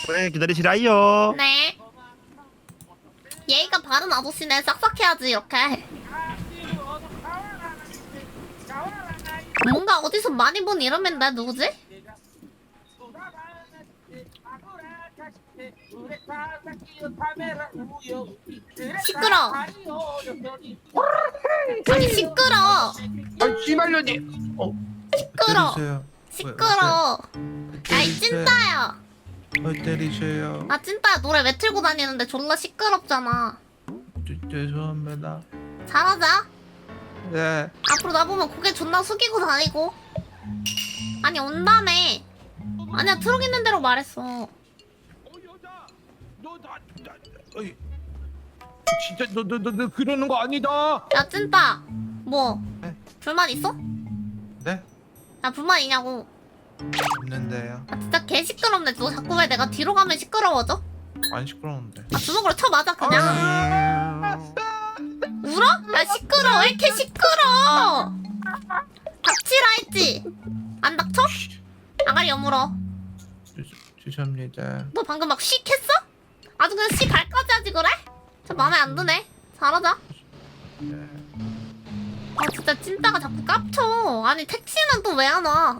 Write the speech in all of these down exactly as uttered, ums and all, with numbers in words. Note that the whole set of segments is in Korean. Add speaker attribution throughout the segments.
Speaker 1: 네, 기다리시라요.
Speaker 2: 네. 예의가 바른 아저씨네. 싹싹해야지 이렇게. 뭔가 어디서 많이 본 이름인데 누구지? 시끄러. 아니 시끄러.
Speaker 1: 아, 씨발년이. 어.
Speaker 2: 시끄러.
Speaker 1: 때리세요.
Speaker 2: 시끄러. 야이 찐따야.
Speaker 1: 왜 때리세요?
Speaker 2: 아 찐따야 노래 왜 틀고 다니는데 졸라 시끄럽잖아.
Speaker 1: 죄- 죄송합니다.
Speaker 2: 잘하자.
Speaker 1: 네.
Speaker 2: 앞으로 나보면 고개 존나 숙이고 다니고. 아니 온다며. 아니야 트럭 있는 대로 말했어.
Speaker 1: 어, 여자. 너 나, 나, 어이. 진짜 너 너 너 너 그러는 거 아니다.
Speaker 2: 야 찐따 뭐
Speaker 1: 네.
Speaker 2: 불만 있어?
Speaker 1: 네?
Speaker 2: 나 불만 있냐고.
Speaker 1: 있는데요.
Speaker 2: 아 진짜 개 시끄럽네. 너 자꾸 왜 내가 뒤로 가면 시끄러워져?
Speaker 1: 안 시끄러운데.
Speaker 2: 아 주먹으로 쳐 맞아 그냥. 울어? 야 시끄러. 왜 이렇게 시끄러? 닥치라 했지? 안 닥쳐? 아가리 여물어.
Speaker 1: 죄- 죄송합니다.
Speaker 2: 너 방금 막 쉿 했어? 아주 그냥 씨 발까지 하지 그래? 저 마음에 안 드네. 잘하자.
Speaker 1: 네.
Speaker 2: 아 진짜 찐따가 자꾸 깝쳐. 아니 택시는 또 왜 안 와?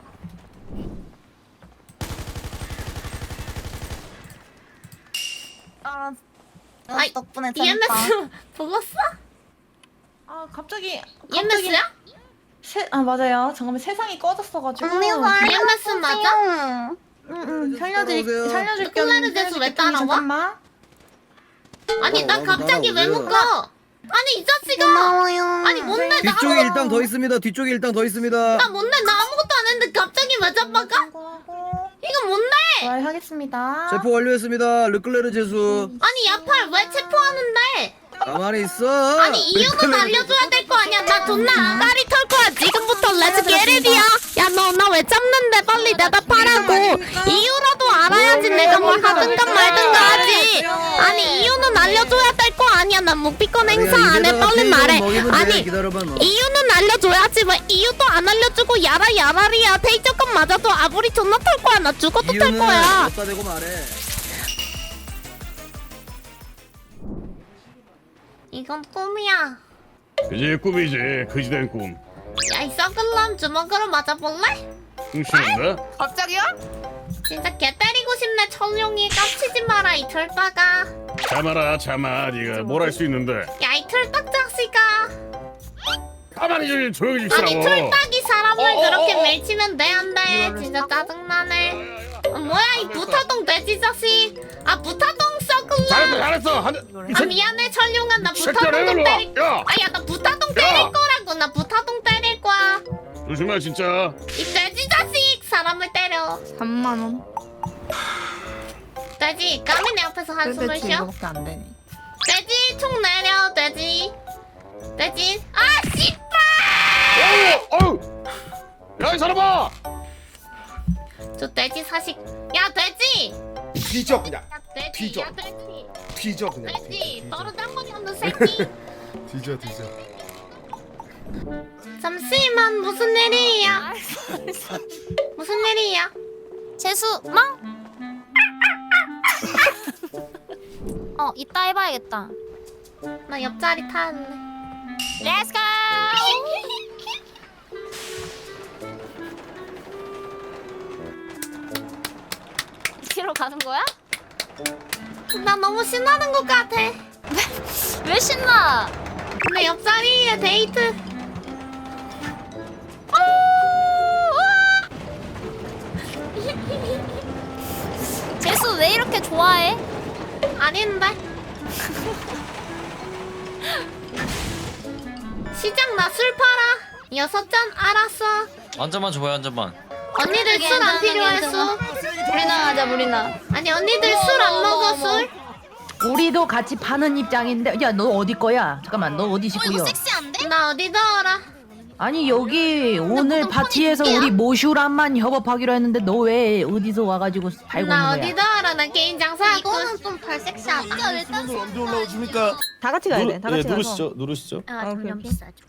Speaker 3: 아,
Speaker 2: 아이,
Speaker 3: 덕분에
Speaker 2: 이엠에스 불렀어?
Speaker 3: 아 갑자기
Speaker 2: 이엠에스야?
Speaker 3: 세, 아 맞아요. 잠깐만 세상이 꺼졌어가지고.
Speaker 2: 이엠에스 맞아?
Speaker 3: 응응 살려드릴
Speaker 4: 따라오세요.
Speaker 3: 살려줄게.
Speaker 2: 콜라를 대서 왜 따라와?
Speaker 3: 잠깐만.
Speaker 2: 아니
Speaker 4: 어,
Speaker 2: 난
Speaker 4: 나도
Speaker 2: 갑자기 왜
Speaker 4: 따라오세요.
Speaker 2: 묶어? 아니 이 자식아!
Speaker 3: 고마워요.
Speaker 2: 아니 뭔데 나
Speaker 4: 뒤쪽에
Speaker 2: 아무것도
Speaker 4: 일당 더 있습니다. 뒤쪽에 일당 더 있습니다.
Speaker 2: 나 뭔데 나 아무것도 안 했는데 갑자기 왜 잡아가? 이거 뭔데?
Speaker 3: 말 하겠습니다.
Speaker 4: 체포 완료했습니다. 르클레르 제수.
Speaker 2: 아니 야팔 왜 체포하는데?
Speaker 4: 가만히 있어.
Speaker 2: 아니 이유는 알려줘야 될 거 아니야. 나 존나 아가리 털 거야. 지금부터 렛츠 게릿이야. 야 너 나 왜 잡는데 빨리 대답하라고. 이유라도 알아야지 내가 뭘 하든가 말든가 하지. 아니 이유는 알려줘야 될 거 아니야. 난 묵비권 행사 안 해. 빨리 말해. 아니
Speaker 4: 기다려봐 너.
Speaker 2: 이유는 알려줘야지. 왜 이유도 안 알려주고 야라 야라리야. 테이저건 맞아도 아무리 존나 탈 거야. 나 죽어도 탈
Speaker 4: 이유는
Speaker 2: 거야.
Speaker 4: 갖다 대고 말해.
Speaker 2: 이건 꿈이야.
Speaker 5: 그지 꿈이지 그지된 꿈.
Speaker 2: 야 이 썩은 놈 주먹으로 맞아볼래?
Speaker 5: 흥신인가?
Speaker 3: 갑자기요?
Speaker 2: 진짜 개 때리고 싶네. 천룡이 깝치지 마라 이 털빠가.
Speaker 5: 참아라 참아. 네가 뭘 할 수 있는데.
Speaker 2: 야 이 털딱 자식아.
Speaker 5: 가만히 좀 조용히 좀
Speaker 2: 아니
Speaker 5: 있으라고.
Speaker 2: 털딱이 사람을
Speaker 5: 어, 어,
Speaker 2: 그렇게
Speaker 5: 어, 어.
Speaker 2: 밀치면 돼 안 돼? 진짜 짜증나네. 어, 뭐야 이 부타동 돼지 자식. 아 부타동 썩은
Speaker 5: 잘했어
Speaker 2: 놈.
Speaker 5: 잘했어. 한, 이
Speaker 2: 아
Speaker 5: 새-
Speaker 2: 미안해 천룡아 나
Speaker 5: 이 새끼야,
Speaker 2: 부타동 좀
Speaker 5: 일로 와.
Speaker 2: 때릴.
Speaker 5: 야
Speaker 2: 아야 나 부타동 때릴 거라고. 나 부타동 때릴 거야.
Speaker 5: 조심해 진짜.
Speaker 2: 이 돼지 자식 사람을 때려.
Speaker 3: 삼만 원.
Speaker 2: 돼지 까미 내 앞에서 한숨을 쉬어.
Speaker 3: 이거밖에 안 되네.
Speaker 2: 돼지 총 내려 돼지. 돼지. 아 씨발.
Speaker 5: 어우 야이 사람아.
Speaker 2: 저 돼지 사식. 야 돼지.
Speaker 6: 뒤져 그냥
Speaker 2: 야 돼지.
Speaker 6: 뒤져.
Speaker 2: 야 돼지.
Speaker 6: 뒤져 그냥
Speaker 2: 돼지. 너로 딴거이 없는 새끼.
Speaker 6: 뒤져 뒤져
Speaker 2: 잠시만 무슨 일이야? 무슨 일이야?
Speaker 7: 재수 망? 어 이따 해봐야겠다.
Speaker 2: 나 옆자리 타는데.
Speaker 7: 렛츠고! 뒤로 가는 거야?
Speaker 2: 나 너무 신나는 것 같아.
Speaker 7: 왜 신나?
Speaker 2: 내 옆자리에 데이트.
Speaker 7: 재수 왜 이렇게 좋아해?
Speaker 2: 아닌데. 시장 나 술 팔아. 여섯 잔 알았어.
Speaker 8: 한 잔만 줘봐요, 한 잔만.
Speaker 2: 언니들 술 안 필요했어.
Speaker 7: 우리나 하자 우리나.
Speaker 2: 아니 언니들 술 안 먹어 술?
Speaker 9: 우리도 같이 파는 입장인데, 야, 너 어디 거야? 잠깐만, 너 어디
Speaker 7: 어
Speaker 9: 식구요?
Speaker 7: 이거 섹시한데?
Speaker 2: 나 어디서 알아?
Speaker 9: 아니, 여기 오늘
Speaker 7: 무슨
Speaker 9: 파티에서
Speaker 7: 폰이
Speaker 9: 우리 모슈란만 협업하기로 했는데 너 왜 어디서 와가지고 팔고
Speaker 2: 나
Speaker 9: 있는
Speaker 2: 어디서
Speaker 9: 거야?
Speaker 2: 알아? 나 개인 장사하고.
Speaker 7: 이거는 좀 덜 섹시하다. 일단
Speaker 4: 언제 올라오십니까?
Speaker 3: 다 같이 가야 돼. 다 같이 가서.
Speaker 8: 누르시죠, 누르시죠.
Speaker 2: 아
Speaker 3: 어,
Speaker 2: 점점
Speaker 3: 오케이.
Speaker 2: 비싸죠.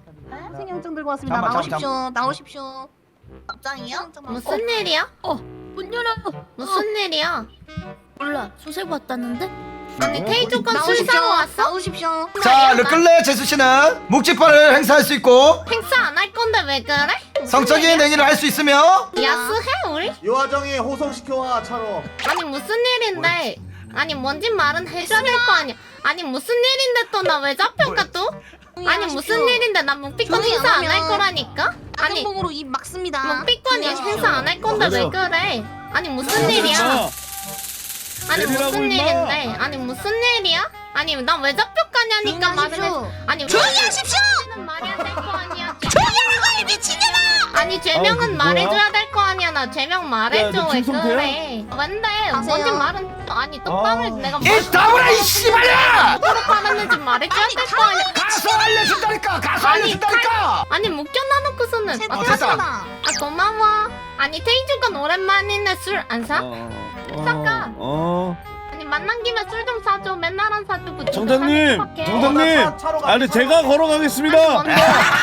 Speaker 3: 생영증 들고 왔습니다.
Speaker 6: 잠깐만,
Speaker 3: 나오십시오.
Speaker 6: 잠깐만.
Speaker 3: 나오십시오. 답장이요?
Speaker 2: 무슨 일이야?
Speaker 7: 문 열어.
Speaker 2: 무슨 일이야?
Speaker 7: 몰라. 소설 봤다는데?
Speaker 2: 아니 테이조건 술 사고 왔어?
Speaker 7: 나오십시오.
Speaker 4: 자 르클레 제수 씨는 묵찌파를 행사할 수 있고
Speaker 2: 행사 안 할 건데 왜 그래? 무슨
Speaker 4: 성적인
Speaker 2: 일이야?
Speaker 4: 행위를 할 수 있으며
Speaker 2: 야스해 우리?
Speaker 6: 요화정이 호송시켜와 차로.
Speaker 2: 아니 무슨 일인데? 아니 뭔지 말은 해줘야 될 거 아니야. 아니 무슨 일인데 또 나 왜 잡혀가 또? 아니 무슨 일인데 나 묵비권
Speaker 7: 조용히
Speaker 2: 행사
Speaker 7: 안
Speaker 2: 안 할
Speaker 7: 하면
Speaker 2: 거라니까? 아니
Speaker 7: 악용봉으로 입 막습니다.
Speaker 2: 묵비권
Speaker 7: 조용히
Speaker 2: 행사 안 할 건데 왜 그래? 아니 무슨 일이야? 아니 무슨 일인데? 아니 무슨 일이야? 아니 나 왜 잡혀가냐니까 말을 해. 아니
Speaker 7: 조용히 하십시오!
Speaker 2: 죄명은 말해야 될 거 아니야.
Speaker 7: 조용히 하는 거야 미친년아!
Speaker 2: 아니 죄명은 말해줘야 될 거 아니야. 나 죄명 말해줘. 왜 그래? 뭔데? 뭔지 말은 아니 똑바로 내가 뭘
Speaker 4: 이 다물아 이 씨발야!
Speaker 2: 어떻게 팔았는지 말해줘야 될 거 아니야.
Speaker 4: 가서 알려준다니까 가서
Speaker 2: 아니,
Speaker 4: 알려준다니까.
Speaker 2: 아니 묶여놔놓고서는
Speaker 7: 새
Speaker 2: 아,
Speaker 7: 탔잖아.
Speaker 2: 아 고마워. 아니 테이주건 오랜만이네. 술 안 사? 사까.
Speaker 5: 어.
Speaker 2: 아니 만난 김에 술 좀 사줘. 맨날 안 사주고
Speaker 5: 정장님,
Speaker 2: 사는
Speaker 5: 정장님.
Speaker 6: 차로 가.
Speaker 5: 아니 제가 걸어가겠습니다.
Speaker 2: 뭔데?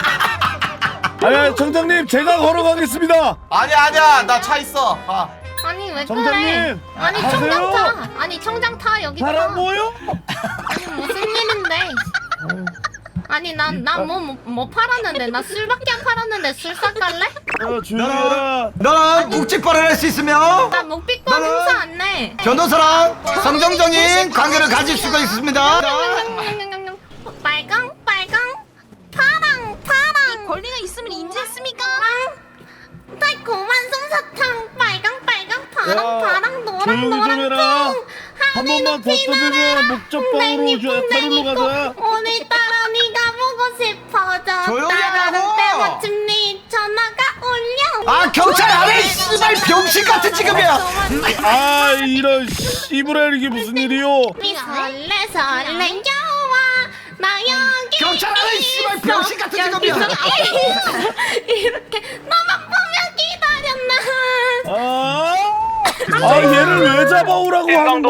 Speaker 5: 아니 정장님 제가 걸어가겠습니다.
Speaker 6: 아니야 아니야 나 차 있어. 아.
Speaker 2: 아니 왜 그래?
Speaker 5: 정장님,
Speaker 2: 아니
Speaker 5: 가세요.
Speaker 2: 청장 타. 아니 청장 타 여기 타.
Speaker 5: 사람 모여?
Speaker 2: 아니 무슨 일인데? 아니 난 난 뭐 뭐 팔았는데 나 술밖에 안 팔았는데 술 사갈래?
Speaker 5: 어, 조용히 해라.
Speaker 4: 너는 묵찌파를 할 수 있으며
Speaker 2: 나 목비권
Speaker 4: 나는-
Speaker 2: 행사 안 내.
Speaker 4: 변호사랑 성정적인 관계를 가질 수가 있습니다.
Speaker 2: 빨강 빨강 파랑 파랑
Speaker 7: 권리가 있으면 인지했습니까?
Speaker 2: 달콤한 솜사탕 빨강 빨강 파랑
Speaker 5: 야,
Speaker 2: 파랑 노랑
Speaker 5: 조용히 좀
Speaker 2: 노랑
Speaker 5: 해라.
Speaker 2: 퐁
Speaker 5: 한 번만 더 떠들면 목적방으로 저 타로로 가자.
Speaker 2: 오늘따라 네가 보고 싶어져.
Speaker 4: 조용히 하라고!
Speaker 2: 따라는 때마침 네 전화가 울려.
Speaker 4: 아 경찰 안해 이 씨발 병신 같은 직업이야.
Speaker 5: 아 이런 씨부랄 이게 무슨 일이요?
Speaker 2: 미 설레 설레 여와 나 여기
Speaker 4: 경찰 안해 이 씨발
Speaker 2: 있어.
Speaker 4: 병신 같은 직업이야.
Speaker 2: 여기서 이렇게 너만 보면 기다렸나.
Speaker 5: 아, 아 얘를 왜 잡아오라고 하는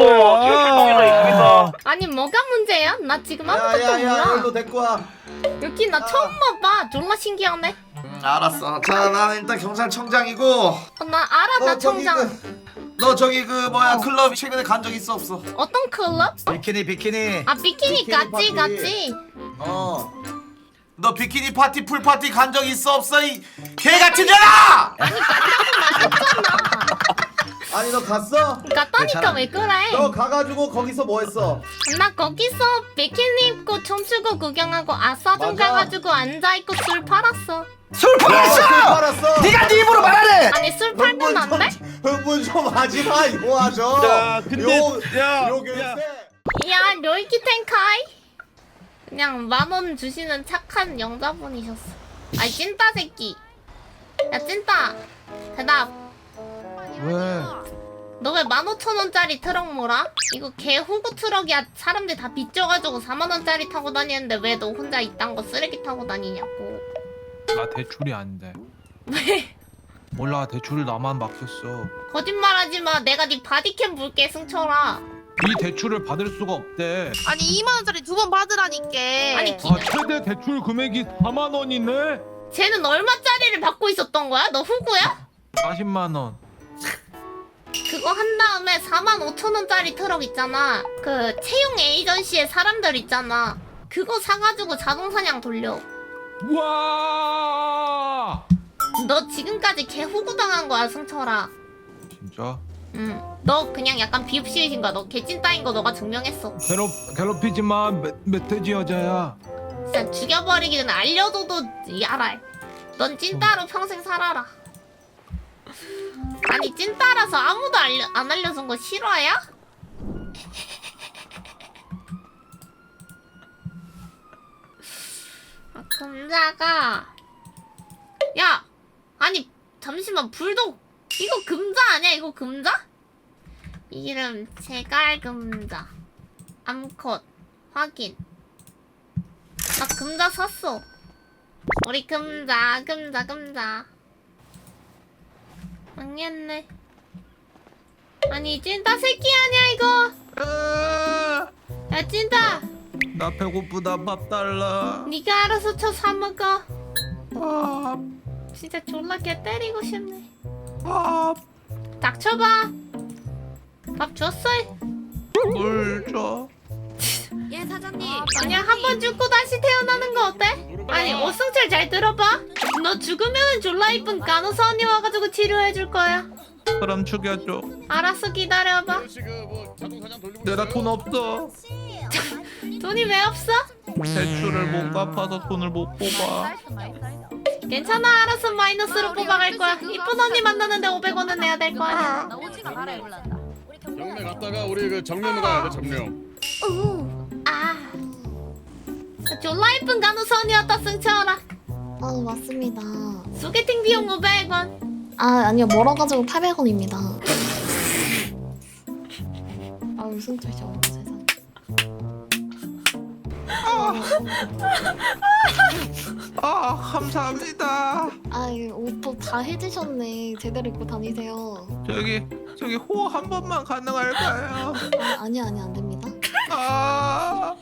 Speaker 5: 거야?
Speaker 2: 아니 뭐가 문제야? 나 지금 아무것도
Speaker 6: 야야야
Speaker 2: 몰라.
Speaker 6: 일로 데리고 와.
Speaker 2: 여기 나 처음 봐봐. 졸라 신기하네.
Speaker 6: 음, 알았어. 자 나 일단 경찰청장이고.
Speaker 2: 어, 나 알아. 나
Speaker 6: 저기
Speaker 2: 청장.
Speaker 6: 그, 너 저기 그 뭐야 클럽 최근에 간 적 있어 없어?
Speaker 2: 어떤 클럽?
Speaker 4: 비키니 비키니.
Speaker 2: 아 비키니
Speaker 6: 비키니
Speaker 2: 같이
Speaker 6: 파티.
Speaker 2: 같이.
Speaker 6: 어. 너 비키니 파티 풀 파티 간 적 있어 없어 이 개 같은 년아!
Speaker 2: 아니 갔다고 말했잖아.
Speaker 6: 아니 너 갔어?
Speaker 2: 갔다니까 왜 그래?
Speaker 6: 너 가가지고 거기서 뭐 했어?
Speaker 2: 나 거기서 비키니 입고 춤추고 구경하고 아싸좀
Speaker 6: 맞아.
Speaker 2: 가가지고 앉아있고 술 팔았어.
Speaker 4: 술 팔았어.
Speaker 6: 팔았어.
Speaker 4: 네가 네 입으로 말하래.
Speaker 2: 아니 술 팔면 안 돼?
Speaker 6: 흥분 좀 하지 마 이거 하죠.
Speaker 5: 야, 근데- 야,
Speaker 6: 요
Speaker 5: 야.
Speaker 6: 교육생.
Speaker 2: 야 료이키 텐카이? 그냥 만 원 주시는 착한 영자분이셨어. 아이 찐따 새끼. 야 찐따 대답.
Speaker 1: 왜?
Speaker 2: 너 왜 만 오천 원짜리 트럭 몰아? 이거 개 호구 트럭이야. 사람들 다 빚져가지고 사만 원짜리 타고 다니는데 왜 너 혼자 이딴 거 쓰레기 타고 다니냐고.
Speaker 1: 나 대출이 안 돼.
Speaker 2: 왜?
Speaker 1: 몰라 대출을 나만 맡겼어.
Speaker 2: 거짓말하지 마. 내가 네 바디캠 볼게 승철아.
Speaker 1: 이 대출을 받을 수가 없대.
Speaker 7: 아니 이만 원짜리 두 번 받으라니까.
Speaker 2: 아니 기,
Speaker 1: 아 최대 대출 금액이 사만 원이네.
Speaker 2: 쟤는 얼마짜리를 받고 있었던 거야? 너 후구야?
Speaker 1: 사십만 원.
Speaker 2: 그거 한 다음에 사만 오천 원짜리 트럭 있잖아. 그 채용 에이전시에 사람들 있잖아. 그거 사가지고 자동사냥 돌려.
Speaker 1: 우와.
Speaker 2: 너 지금까지 개 후구 당한 거야 승철아.
Speaker 1: 진짜?
Speaker 2: 응. 너 그냥 약간 비읍시이신 거야. 너 개찐따인 거 너가 증명했어.
Speaker 1: 괴롭 괴롭히지 마. 멧, 멧돼지 여자야.
Speaker 2: 진짜 죽여버리기 전에 알려줘도 이 알아. 넌 찐따로 평생 살아라. 아니 찐따라서 아무도 알려, 안 알려준 거 실화야? 아, 금자가 야 아니 잠시만 불독 이거 금자 아니야? 이거 금자? 이름 제갈금자 암컷 확인. 나 금자 샀어. 우리 금자 금자 금자 망했네. 아니 찐따 새끼 아니야 이거. 야 찐따
Speaker 1: 나 배고프다. 밥 달라.
Speaker 2: 니가 알아서 쳐 사먹어.
Speaker 1: 밥.
Speaker 2: 진짜 졸라 개 때리고 싶네.
Speaker 1: 밥.
Speaker 2: 닥쳐봐. 밥 줬어?
Speaker 1: 물 줘.
Speaker 2: 예 사장님. 그냥 한 번 죽고 다시 태어나는 거 어때? 아니 오승철 잘 들어봐. 너 죽으면 졸라 이쁜 간호사 언니 와가지고 치료해줄 거야.
Speaker 1: 그럼 죽여줘.
Speaker 2: 알았어 기다려봐.
Speaker 1: 내가 돈 없어.
Speaker 2: 돈이 왜 없어?
Speaker 1: 대출을 못 갚아서 돈을 못 뽑아.
Speaker 2: 괜찮아 알았어 마이너스로 뽑아갈 거야. 이쁜 언니 만나는데 오백 원은 내야 될 거 아니야.
Speaker 5: 정면 갔다가 우리 그 정면 가야 돼 정면.
Speaker 2: 아 졸라 이쁜 간호사 언니 왔다 승철아.
Speaker 10: 아 맞습니다.
Speaker 2: 소개팅 비용 오백 원.
Speaker 10: 아 아니요 멀어가지고 팔백 원입니다. 아 승철 씨 어머 세상.
Speaker 1: 아 감사합니다.
Speaker 10: 아 옷도 다 해주셨네. 제대로 입고 다니세요.
Speaker 1: 저기 저기 호호 한 번만 가능할까요?
Speaker 10: 아 아니 아니 안 됩니다.
Speaker 1: 아.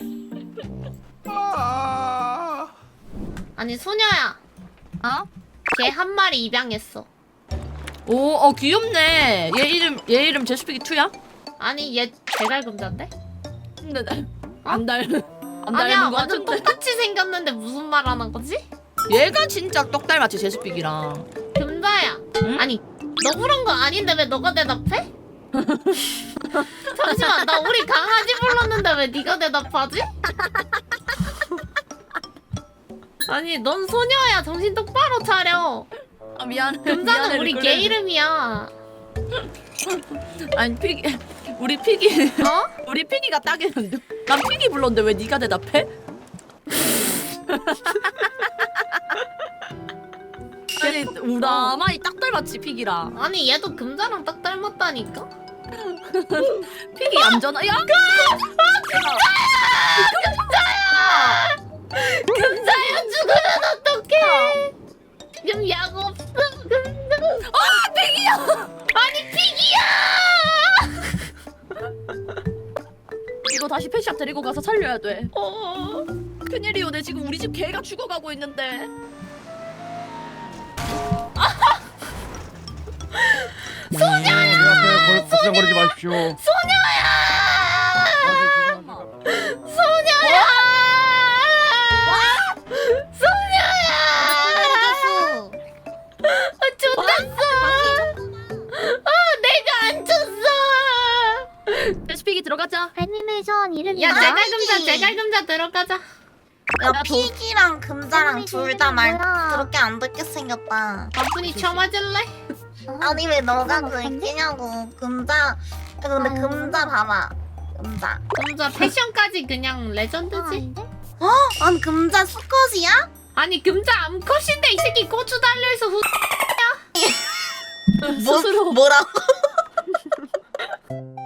Speaker 1: 아.
Speaker 2: 아니 소녀야.
Speaker 9: 어?
Speaker 2: 걔 한 마리 입양했어.
Speaker 9: 오, 어 귀엽네. 얘 이름 얘 이름 제수피기 투야?
Speaker 2: 아니 얘 대갈금자인데?
Speaker 9: 근데 나- 안 닮. 안
Speaker 2: 아니야
Speaker 9: 닮은 거
Speaker 2: 완전
Speaker 9: 같은데.
Speaker 2: 똑같이 생겼는데 무슨 말 하는 거지?
Speaker 9: 얘가 진짜 똑 닮았지 제수피기랑.
Speaker 2: 금자야.
Speaker 9: 응?
Speaker 2: 아니 너 그런 거 아닌데 왜 너가 대답해? 잠시만 나 우리 강아지 불렀는데 왜 네가 대답하지? 아니 넌 소녀야 정신 똑바로 차려.
Speaker 9: 아 미안해.
Speaker 2: 금자는
Speaker 9: 미안해,
Speaker 2: 우리
Speaker 9: 그래.
Speaker 2: 개 이름이야.
Speaker 9: 아니 피기 우리 피기
Speaker 2: 어?
Speaker 9: 우리 피기가 딱이는데 난 피기 불렀는데 왜 네가 대답해? 아니 나만이 딱 닮았지 피기랑.
Speaker 2: 아니 얘도 금자랑 딱 닮았다니까?
Speaker 9: 피기 얌전하. 야
Speaker 2: 금자야 죽으면 어떡해? 지금 약 없어 금자.
Speaker 9: 아 피기야.
Speaker 2: 아니 피기야!
Speaker 9: 이거 다시 펫샵 데리고 가서 살려야 돼.
Speaker 2: 어.
Speaker 9: 큰일이요. 내 지금 우리 집 개가 죽어가고 있는데.
Speaker 5: 소녀야. 걱정거리지 마십시오.
Speaker 2: 소녀야! 소녀야! 소녀야! 아, 좋댔어! 아, 내가 안 쳤어!
Speaker 9: 제수피기 들어가자.
Speaker 10: 애니메이션 이름이
Speaker 2: 야, 제갈금자, 제갈금자 들어가자.
Speaker 10: 야 피기랑 금자랑 둘 다 말 그렇게 안 듣게 생겼다.
Speaker 2: 바쁜이 쳐맞을래?
Speaker 10: 아니 왜 너가 그랬냐고. 금자 근데 금자 봐봐. 금자.
Speaker 2: 금자 패션까지 그냥 레전드지?
Speaker 10: 어? 아니 금자 수컷이야?
Speaker 2: 아니, 금자 암컷인데 이 새끼 고추 달려있어 후.
Speaker 10: 뭐,
Speaker 9: 스스로
Speaker 10: 뭐라고?